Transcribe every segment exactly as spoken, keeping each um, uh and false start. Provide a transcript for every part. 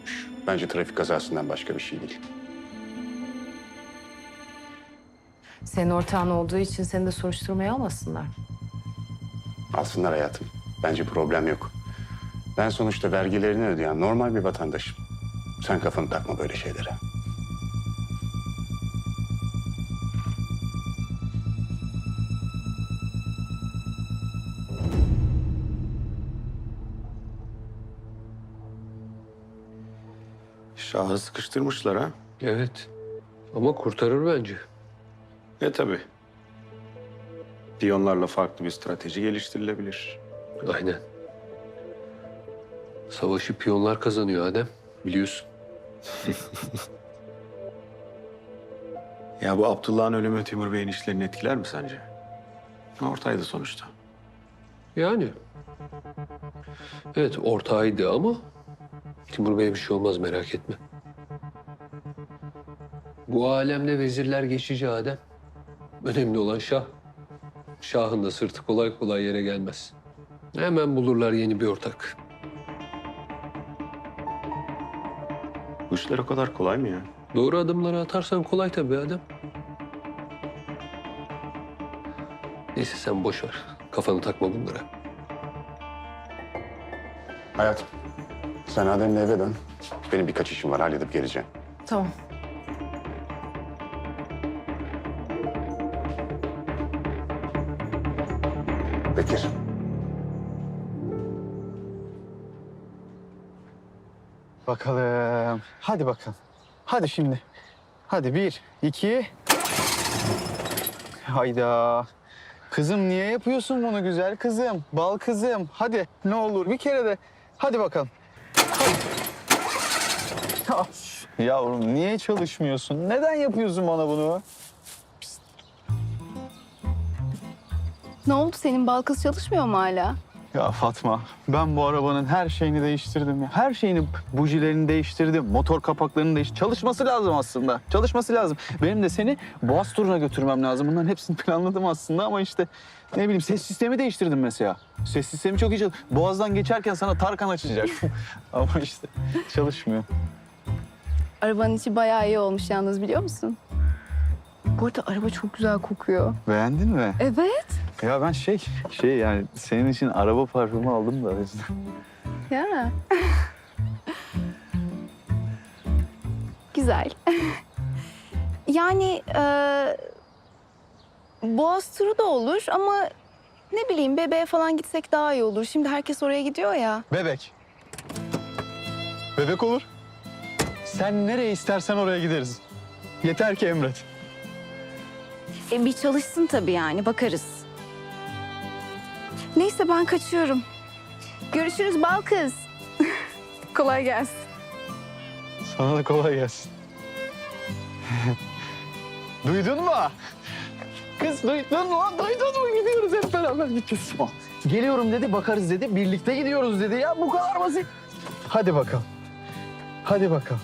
büyükmüş. Bence trafik kazasından başka bir şey değil. Senin ortağın olduğu için seni de soruşturmaya almasınlar. Alsınlar hayatım. Bence problem yok. Ben sonuçta vergilerini ödeyen normal bir vatandaşım. Sen kafanı takma böyle şeylere. Şahı sıkıştırmışlar ha. Evet. Ama kurtarır bence. E tabii. Piyonlarla farklı bir strateji geliştirilebilir. Aynen. Savaşı piyonlar kazanıyor Adem. Biliyorsun. Ya bu Abdullah'ın ölümü Timur Bey'in işlerini etkiler mi sence? Ortaydı sonuçta. Yani. Evet ortağıydı ama Timur Bey'e bir şey olmaz merak etme. Bu alemde vezirler geçici Adem. Önemli olan şah. Şahın da sırtı kolay kolay yere gelmez. Hemen bulurlar yeni bir ortak. Bu işler o kadar kolay mı ya? Doğru adımları atarsan kolay tabii Adem. Neyse sen boş ver. Kafanı takma bunlara. Hayatım, sen Adem'le eve dön. Benim birkaç işim var, halledip geleceğim. Tamam. Bekir. Bakalım. Hadi bakalım. Hadi şimdi. Hadi bir, iki. Hayda. Kızım niye yapıyorsun bunu güzel kızım? Bal kızım. Hadi ne olur bir kere de. Hadi bakalım. Hadi. Of, yavrum niye çalışmıyorsun? Neden yapıyorsun bana bunu? Ne oldu senin bal kız çalışmıyor mu hala? Ya Fatma, ben bu arabanın her şeyini değiştirdim ya. Her şeyini, bujilerini değiştirdim, motor kapaklarını değiştirdim. Çalışması lazım aslında, çalışması lazım. Benim de seni Boğaz turuna götürmem lazım. Bunların hepsini planladım aslında ama işte ne bileyim ses sistemi değiştirdim mesela. Ses sistemi çok iyi çalışıyor. Boğaz'dan geçerken sana Tarkan açacak. Ama işte çalışmıyor. Arabanın içi bayağı iyi olmuş yalnız biliyor musun? Bu arada araba çok güzel kokuyor. Beğendin mi? Evet. Ya ben şey, şey yani senin için araba parfümü aldım da o yüzden. Ya. Güzel. Yani e, Boğaz turu da olur ama ne bileyim bebeğe falan gitsek daha iyi olur. Şimdi herkes oraya gidiyor ya. Bebek. Bebek olur. Sen nereye istersen oraya gideriz. Yeter ki emret. E, bir çalışsın tabii yani bakarız. Neyse ben kaçıyorum. Görüşürüz bal kız. Kolay gelsin. Sana da kolay gelsin. Duydun mu? Kız duydun mu? Duydun mu? Gidiyoruz hep beraber gideceğiz. Geliyorum dedi, bakarız dedi. Birlikte gidiyoruz dedi ya. Bu kadar basit. Hadi bakalım. Hadi bakalım.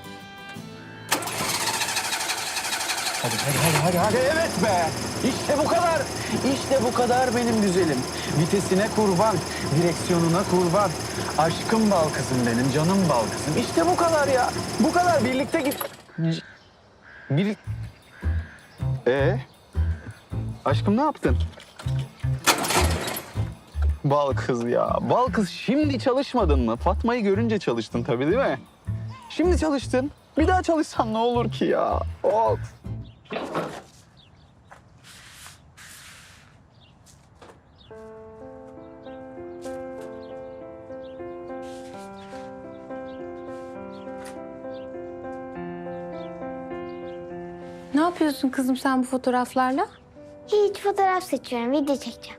Hadi, hadi, hadi, hadi, hadi. Evet be. İşte bu kadar. İşte bu kadar benim güzelim. Vitesine kurban, direksiyonuna kurban. Aşkım bal kızım benim, canım bal kızım. İşte bu kadar ya. Bu kadar. Birlikte git. Bir... Ee? Aşkım ne yaptın? Bal kız ya. Bal kız şimdi çalışmadın mı? Fatma'yı görünce çalıştın tabii değil mi? Şimdi çalıştın. Bir daha çalışsan ne olur ki ya? Of. Ne yapıyorsun kızım sen bu fotoğraflarla? Hiç fotoğraf seçiyorum, video çekeceğim.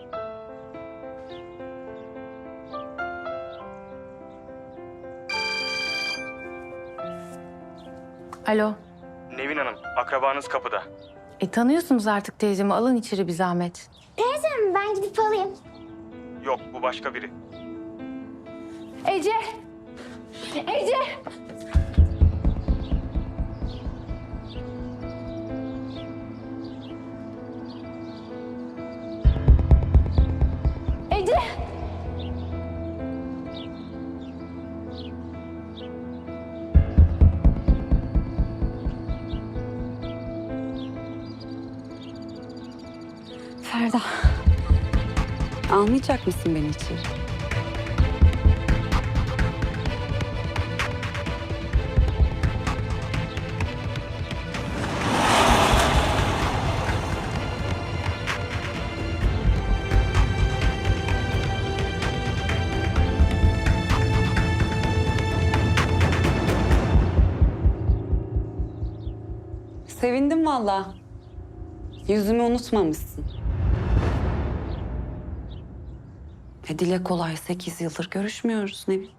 Alo. Nevin Hanım, akrabanız kapıda. E tanıyorsunuz artık teyzemi. Alın içeri bir zahmet. Teyzem ben gidip alayım. Yok, bu başka biri. Ece! Ece! Ece! Ferda. Almayacak mısın beni içeri? Sevindim vallahi. Yüzümü unutmamışsın. E dile kolay sekiz yıldır görüşmüyoruz Nevin.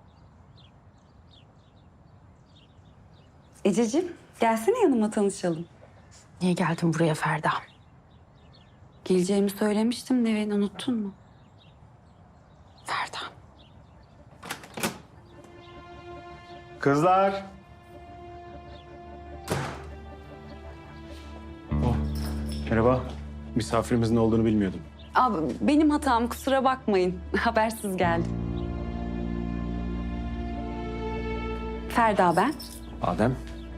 Ececiğim gelsene yanıma tanışalım. Niye geldin buraya Ferda? Geleceğimi söylemiştim Nevin, unuttun mu? Ferda. Kızlar. Oh, merhaba. Misafirimizin olduğunu bilmiyordum. Abi benim hatam, kusura bakmayın. Habersiz geldim. Ferda ben. Adem.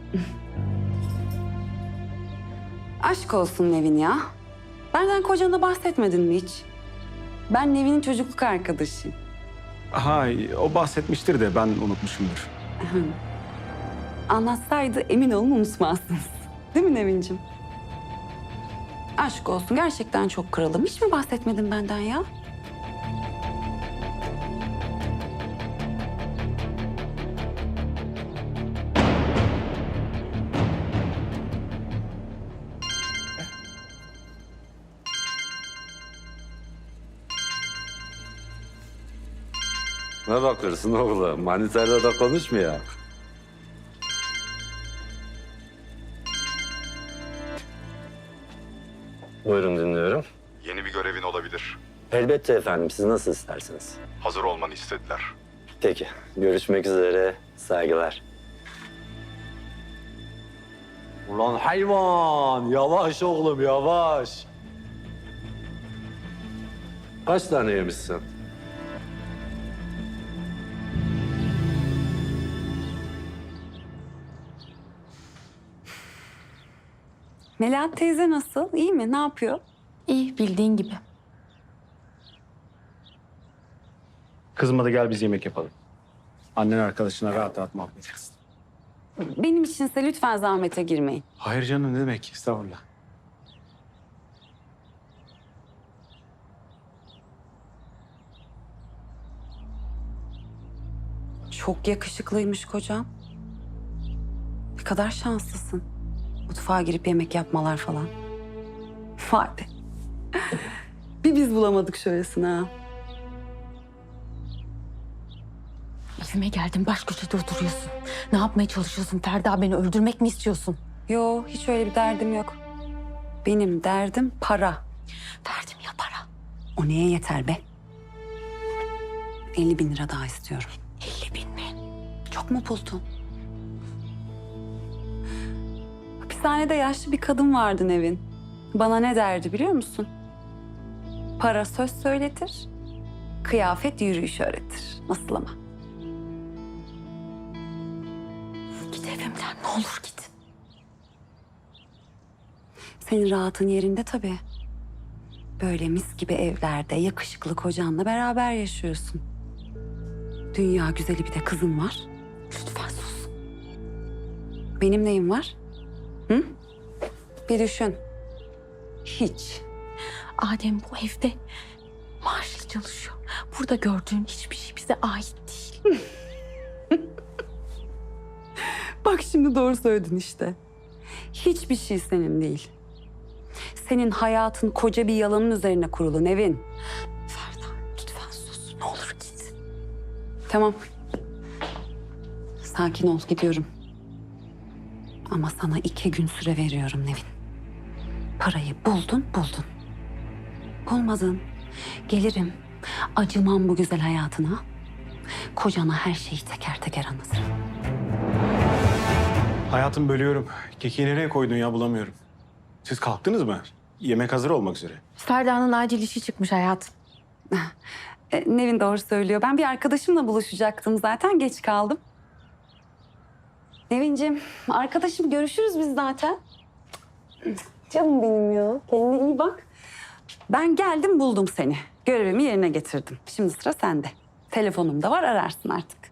Aşk olsun Nevin ya. Benden kocana bahsetmedin mi hiç? Ben Nevin'in çocukluk arkadaşıyım. Ha, o bahsetmiştir de ben unutmuşumdur. Anlatsaydı emin olun unutmazsınız. Değil mi Nevin'cim? Aşk olsun, gerçekten çok kralım. Hiç mi bahsetmedin benden ya? Ne bakıyorsun oğlum? Manitayla da konuşmuyor. Buyurun dinliyorum. Yeni bir görevin olabilir. Elbette efendim. Siz nasıl isterseniz. Hazır olmanı istediler. Peki. Görüşmek üzere. Saygılar. Ulan hayvan! Yavaş oğlum yavaş. Kaç tane yemişsin? Melahat teyze nasıl? İyi mi? Ne yapıyor? İyi, bildiğin gibi. Kızım hadi gel biz yemek yapalım. Annen arkadaşına rahat rahat muhabbet etsin. Benim içinse lütfen zahmete girmeyin. Hayır canım ne demek? Estağfurullah. Çok yakışıklıymış kocam. Ne kadar şanslısın. Mutfağa girip yemek yapmalar falan. Vay be. Bir biz bulamadık şöylesine ha. Evime geldin, baş köşede oturuyorsun. Ne yapmaya çalışıyorsun Ferda? Beni öldürmek mi istiyorsun? Yo, hiç öyle bir derdim yok. Benim derdim para. Derdim ya para. O neye yeter be? elli bin lira daha istiyorum. elli bin mi? Çok mu buldun? Hapishanede yaşlı bir kadın vardı Nevin. Bana ne derdi biliyor musun? Para söz söyletir, kıyafet yürüyüş öğretir. Nasıl ama? Git evimden, ne olur git. Senin rahatın yerinde tabii. Böyle mis gibi evlerde yakışıklı kocanla beraber yaşıyorsun. Dünya güzeli bir de kızın var. Lütfen sus. Benim neyim var? Hı? Bir düşün. Hiç. Adem bu evde maaşlı çalışıyor. Burada gördüğün hiçbir şey bize ait değil. Bak şimdi doğru söyledin işte. Hiçbir şey senin değil. Senin hayatın koca bir yalanın üzerine kurulu Nevin. Ferda lütfen sus, ne olur git. Tamam. Sakin ol, gidiyorum. Ama sana iki gün süre veriyorum Nevin. Parayı buldun, buldun. Bulmadın. Gelirim, acımam bu güzel hayatına. Kocana her şeyi teker teker anlatırım. Hayatım bölüyorum. Kekiği nereye koydun ya bulamıyorum. Siz kalktınız mı? Yemek hazır olmak üzere. Ferda'nın acil işi çıkmış hayatım. E, Nevin doğru söylüyor. Ben bir arkadaşımla buluşacaktım zaten. Geç kaldım. Nevinciğim, arkadaşım görüşürüz biz zaten. Canım benim ya. Kendine iyi bak. Ben geldim buldum seni. Görevimi yerine getirdim. Şimdi sıra sende. Telefonum da var ararsın artık.